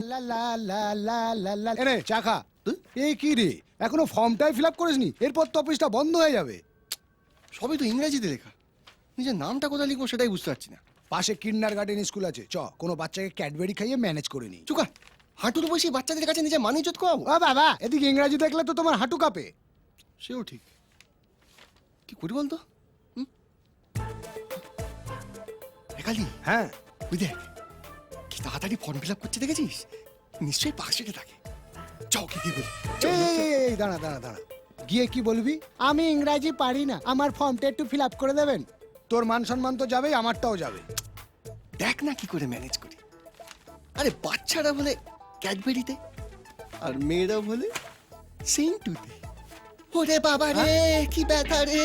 লা লা লা লা লা লা এনে চা খা। এই কি রে, এখনো ফর্মটাই ফিল আপ করিসনি? এরপর তো অফিসটা বন্ধ হয়ে যাবে। সবই তো ইংরেজিতে লেখা, নিজের নামটা কোথায় লিখবো সেটাই বুঝতে পারছি না। পাশে কিন্ডার গার্ডেন স্কুল আছে, চ কোনো বাচ্চাকে ক্যাডবেরি খাইয়ে ম্যানেজ করে নি। চুকা, হাঁটুর বসে বাচ্চাদের কাছে নিজের মান ইজ্জত করাবো? ও বাবা, এদিকে ইংরাজি দেখলে তো তোমার হাঁটু কাঁপে। সেও ঠিক, কি করি বলতো? একালি, হ্যাঁ ওই দেখ কি তাড়াতাড়ি ফর্ম ফিল আপ করছে, দেখেছিস? নিশ্চয়ই পাশে থাকে। যাও কি বলি। এই দাঁড়া দাঁড়া দাঁড়া, গিয়ে কি বলবি? আমি ইংরাজি পারি না, আমার ফর্মটা একটু ফিল আপ করে দেবেন। তোর মান সম্মান তো যাবেই, আমারটাও যাবে। দেখ না কি করে ম্যানেজ করি। আরে বাচ্চারা বলে ক্যাডবেরিতে আর মেয়েরা বলে সেন্টুতে। ওরে বাবা রে, কি ব্যথা রে!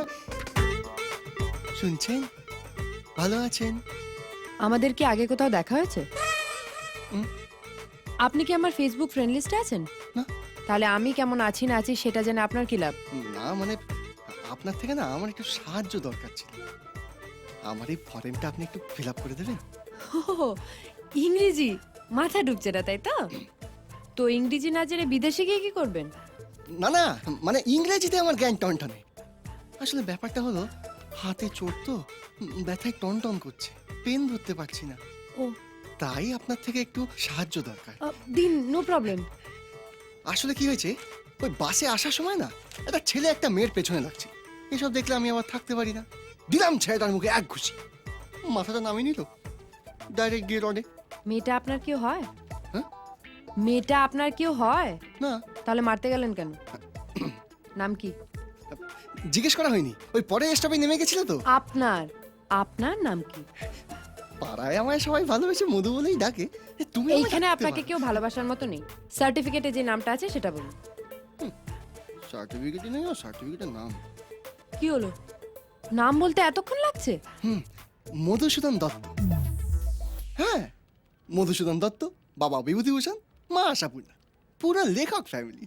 শুনছেন? ভালো আছেন? আমাদের কি আগে কোথাও দেখা হয়েছে? হুম। আপনি কি আমার ফেসবুক ফ্রেন্ড লিস্টে আছেন? না। তাহলে আমি কেমন আছি না আছি সেটা জেনে আপনার কি লাভ? না মানে আপনার থেকে না আমার একটু সাহায্য দরকার ছিল। আমার এই ফর্মটা আপনি একটু ফিল আপ করে দেবেন? ও, ইংরেজি মাথা ঢুকছে না তাই তো? তো ইংরেজি না জেনে বিদেশে গিয়ে কি করবেন? না না, মানে ইংরেজিতে আমার জ্ঞান টনটনে। আসলে ব্যাপারটা হলো হাতে চোট তো, ব্যথায় টনটন করছে, পেন ধরতে পারছি না। ও, তাই আপনার থেকে একটু সাহায্য দরকার। দিন, নো প্রবলেম। আসলে কি হয়েছে, ওই বাসে আসার সময় না একটা ছেলে একটা মেয়ের পেছনে লাগছে। এসব দেখলে আমি আবার থাকতে পারি না। দিলাম ছেলেটার মুখে এক ঘুষি, মাথাটা নামিয়ে নিল, ডাইরেক্ট গিয়ে রডে। মেয়েটা আপনার কেউ হয়? হ্যাঁ? মেয়েটা আপনার কেউ হয়? না, তাহলে মারতে গেলেন কেন? নাম কি? জিজ্ঞেস করা হয়নি, ওই পরে স্টপে নেমে গেছিল তো। আপনার আপনার নাম কি? পাড়ায় আমায় সবাই ভালোবেসে মধু বলেই ডাকে। তুমি আমায় এইখানে ডাকতে আপনাকে পারো। কেউ ভালোবাসার মতো নেই। সার্টিফিকেটে যে নামটা আছে সেটা বলুন। সার্টিফিকেটে নেই, সার্টিফিকেটের নাম কি হলো? নাম বলতে এতক্ষণ লাগছে? মধুসূদন দত্ত। হ্যাঁ, মধুসূদন দত্ত, বাবা বিভূতিভূষণ, মা আশাপূর্ণা, পুরো লেখক ফ্যামিলি।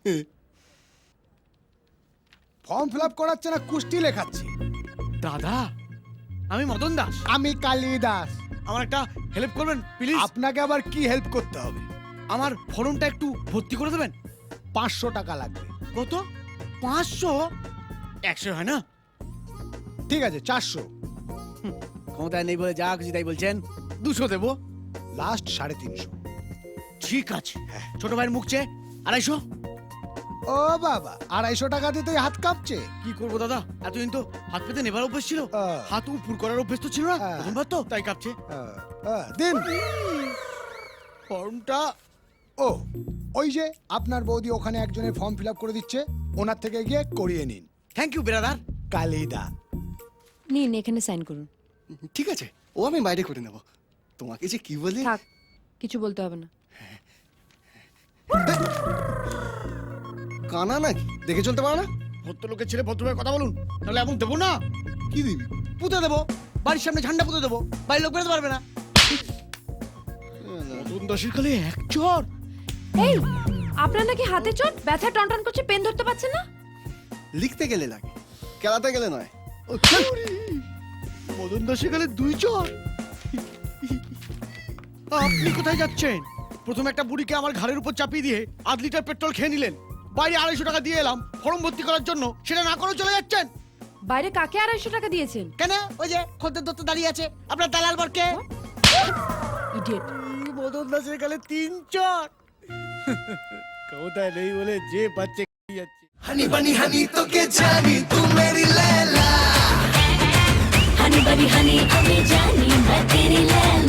ফর্ম ফিল আপ করাচ্ছে না, কুস্তি লেখাচ্ছি। দাদা, আমি মদন দাস। আমি কালিদাস। আমার একটা হেল্প করবেন প্লিজ? আপনাকে আবার কি হেল্প করতে হবে? আমার ফর্মটা একটু ভর্তি করে দেবেন। 500 টাকা লাগবে। কত? 500? 100 হয় না? ঠিক আছে, 400। ক্ষমতায় নেই বলে যা খুশি তাই বলছেন। 200 দেবো। লাস্ট 350। ঠিক আছে, ছোট ভাইয়ের মুখ চেয়ে 250। ও বাবা, 250 টাকা দিতেই হাত কাঁপছে। কি করবো দাদা, এতদিন তো হাত পেতে নেবার অভ্যেস ছিল, হাত উপর করার অভ্যেস তো ছিল না। প্রথমবার তো তাই কাঁপছে। দিন ফর্মটা। ও, ওই যে আপনার বৌদি ওখানে একজনের ফর্ম ফিল আপ করে দিচ্ছে, ওনার থেকে গিয়ে করিয়ে নিন। Thank you brother. কালিদা। নিন, এখানে সাইন করুন। ঠিক আছে, ও আমি বাইরে করে নেব। তোমাকে যে কি বলে। থাক, কিছু বলতে হবে না। কানা নাকি, দেখে চলতে পারো না? ভদ্রলোকের ছেলে ভদ্রভাবে কথা বলুন, নাহলে এমন দেবো না। কি দিবি? পুঁতে দেবো, বাড়ির সামনে ঝান্ডা পুঁতে দেবো, বাড়ির লোক বেরোতে পারবে না। মদন দাসের কালে এক চর। এই, আপনার নাকি হাতে চোট, ব্যথা টনটন করছে, পেন ধরতে পারছেন না? লিখতে গেলে লাগে, খেলাতে গেলে নয়। মদন দাসের কালে 2 চর। আপনি কোথায় যাচ্ছেন? প্রথমে একটা বুড়িকে আমার ঘাড়ের উপর চাপিয়ে দিয়ে 8 লিটার পেট্রোল খেয়ে নিলেন। বাইরে 250 টাকা দিয়ে এলাম ফর্ম ভর্তি করার জন্য, সেটা না করে চলে যাচ্ছেন বাইরে কাকে 250 টাকা দিয়েছেন? কেন? ওই যে খদ্দের দত্ত দাঁড়িয়ে আছে, আপনার দালাল বরকে। ইডিয়েট। মদন দাসের কালে 3 চর। ক্ষমতায় নেই বলে যে বাচ্চা যাচ্ছে। হানি বানি হানি তোকে জানি, তু মেরি লैला। हनी बनी हनी हमें जानी मैं तेरी लैला।